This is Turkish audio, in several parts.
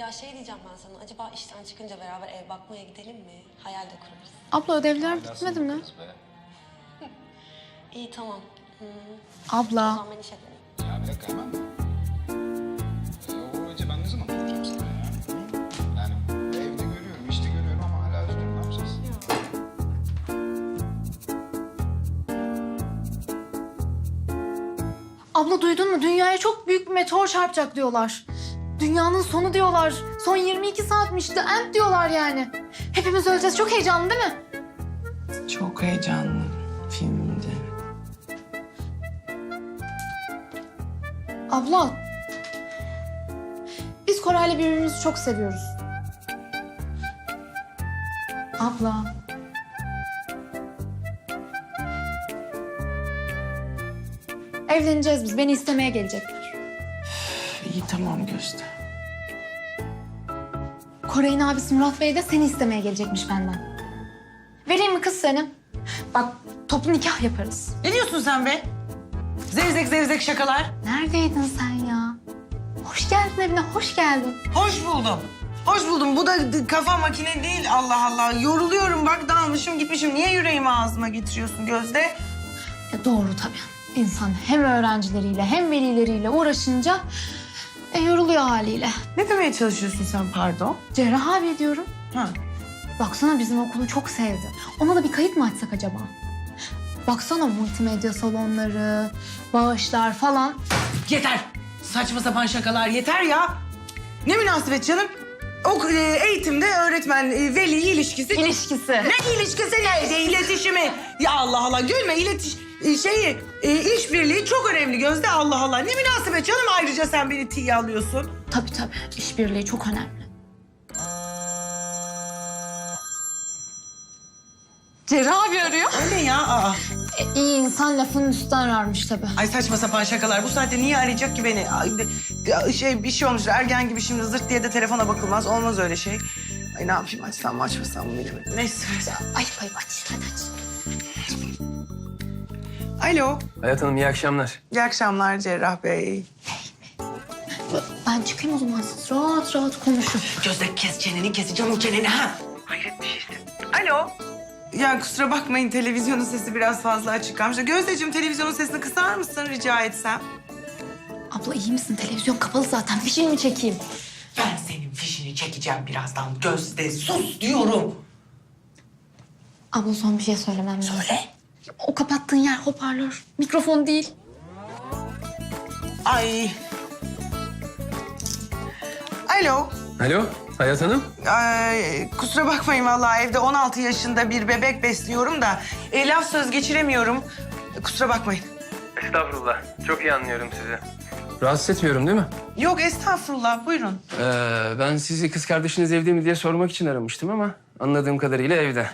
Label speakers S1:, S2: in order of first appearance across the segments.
S1: Ya şey diyeceğim ben sana. Acaba işten çıkınca beraber ev bakmaya gidelim mi? Hayal de kurarız.
S2: Abla ödevler bitmedi mi?
S1: İyi tamam. O
S2: Abla.
S1: zaman ben işe döneyim.
S3: Ya bir dakika hemen mi? O acı ben ne zaman soracağım sana ya? Yani evde görüyorum, işte görüyorum ama hala üzgünüm. Ne yapacağız?
S2: Abla duydun mu? Dünyaya çok büyük bir meteor çarpacak diyorlar. Dünyanın sonu diyorlar. Son 22 saatmiş. The end diyorlar yani. Hepimiz öleceğiz. Çok heyecanlı değil mi?
S4: Çok heyecanlı filmde.
S2: Abla. Biz Koray'la birbirimizi çok seviyoruz. Abla. Evleneceğiz biz. Beni istemeye gelecekler.
S4: İyi tamam Gözde.
S2: Koray'ın abisi Murat Bey de seni istemeye gelecekmiş benden. Vereyim mi kız seni? Bak toplu nikah yaparız.
S4: Ne diyorsun sen be? Zevzek zevzek şakalar.
S2: Neredeydin sen ya? Hoş geldin evine, hoş geldin.
S4: Hoş buldum. Hoş buldum. Bu da kafa makine değil. Allah Allah. Yoruluyorum bak dalmışım gitmişim. Niye yüreğimi ağzıma getiriyorsun Gözde?
S2: Ya doğru tabii. İnsan hem öğrencileriyle hem velileriyle uğraşınca yoruluyor haliyle.
S4: Ne demeye çalışıyorsun sen pardon?
S2: Cerrah abi diyorum.
S4: Ha.
S2: Baksana bizim okulu çok sevdi. Ona da bir kayıt mı açsak acaba? Baksana multimedya salonları, bağışlar falan.
S4: Yeter. Saçma sapan şakalar yeter ya. Ne münasebet canım? O eğitimde öğretmen veli ilişkisi.
S2: İlişkisi.
S4: Ne ilişkisi ne? İletişimi. Ya Allah Allah gülme işbirliği çok önemli Gözde Allah Allah. Ne münasebet canım ayrıca sen beni tiye alıyorsun.
S2: Tabii tabii. İşbirliği çok önemli. Cerrah abi arıyor.
S4: Öyle ya aa.
S2: İyi insan lafının üstünden ararmış tabii.
S4: Ay saçma sapan şakalar. Bu saatte niye arayacak ki beni? Ay, bir şey olmuş. Ergen gibi şimdi zırt diye de telefona bakılmaz. Olmaz öyle şey. Ay ne yapayım açsam mı açmasam mı bilemedim. Neyse.
S2: Ay aç hadi aç.
S4: Alo.
S5: Hayat Hanım iyi akşamlar.
S4: İyi akşamlar Cerrah Bey.
S2: Ben çıkayım o zaman siz rahat rahat konuşun.
S4: Gözde kes çeneni keseceğim o çeneni ha. Hayret bir şeysin. Alo. Ya kusura bakmayın televizyonun sesi biraz fazla açık kalmış. Gözdeciğim televizyonun sesini kısar mısın rica etsem?
S2: Abla iyi misin? Televizyon kapalı zaten. Fişini mi çekeyim?
S4: Ben senin fişini çekeceğim birazdan. Gözde sus diyorum.
S2: Abla son bir şey söylemem lazım.
S4: Söyle.
S2: O kapattığın yer hoparlör. Mikrofon değil.
S4: Ay. Alo.
S5: Alo Hayat Hanım.
S4: Ay, kusura bakmayın vallahi evde 16 yaşında bir bebek besliyorum da laf söz geçiremiyorum. Kusura bakmayın.
S5: Estağfurullah. Çok iyi anlıyorum sizi. Rahatsız etmiyorum değil mi?
S4: Yok estağfurullah buyurun.
S5: Ben sizi kız kardeşiniz evde mi diye sormak için aramıştım ama anladığım kadarıyla evde.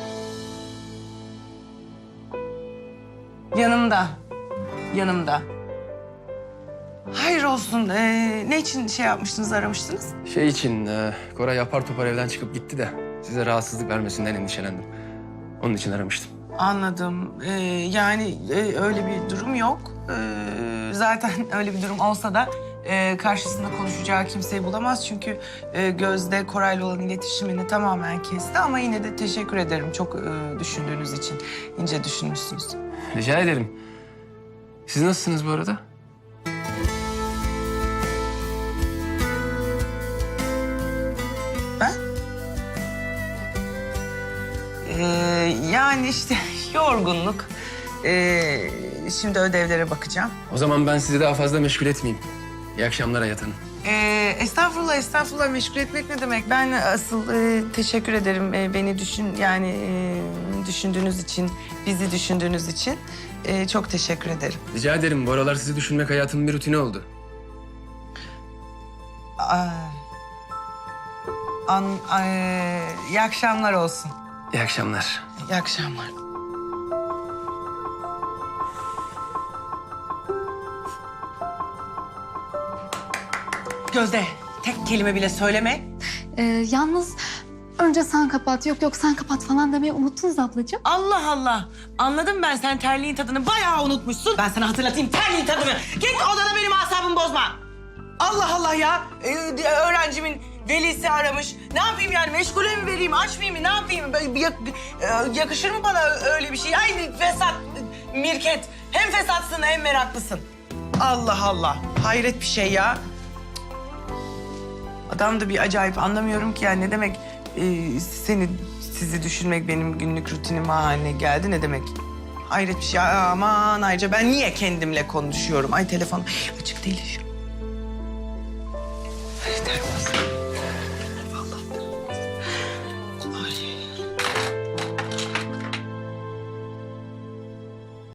S4: Yanımda. Yanımda. Hayır olsun. Ne için şey yapmıştınız, aramıştınız?
S5: Şey için Koray apar topar evden çıkıp gitti de size rahatsızlık vermesinden endişelendim. Onun için aramıştım.
S4: Anladım. Yani öyle bir durum yok. Zaten öyle bir durum olsa da karşısında konuşacağı kimseyi bulamaz. Çünkü Gözde Koray'la olan iletişimini tamamen kesti. Ama yine de teşekkür ederim çok düşündüğünüz için. İnce düşünmüşsünüz.
S5: Rica ederim. Siz nasılsınız bu arada?
S4: Ben? Yani işte yorgunluk. Şimdi ödevlere bakacağım.
S5: O zaman ben sizi daha fazla meşgul etmeyeyim. İyi akşamlar Hayat Hanım.
S4: Estağfurullah, estağfurullah. Meşgul etmek ne demek? Ben asıl teşekkür ederim beni düşündüğünüz için, bizi düşündüğünüz için. Çok teşekkür ederim.
S5: Rica ederim. Bu aralar sizi düşünmek hayatımın bir rutini oldu.
S4: İyi akşamlar olsun.
S5: İyi akşamlar.
S4: İyi akşamlar. Gözde, tek kelime bile söyleme.
S2: Yalnız önce sen kapat. Yok sen kapat falan demeyi unuttunuz ablacığım.
S4: Allah Allah. Anladım ben sen terliğin tadını bayağı unutmuşsun. Ben sana hatırlatayım terliğin tadını. Git odana benim asabımı bozma. Allah Allah ya. Öğrencimin velisi aramış. Ne yapayım yani? Meşgule mi vereyim, açmayayım mı? Ne yapayım? Yakışır mı bana öyle bir şey? Ay fesat, Mirket. Hem fesatsın hem meraklısın. Allah Allah. Hayret bir şey ya. Adam da bir acayip, anlamıyorum ki yani ne demek sizi düşünmek benim günlük rutinim haline geldi, ne demek? Hayret bir şey. Aman ayrıca ben niye kendimle konuşuyorum? Ay telefon açık değil şu an.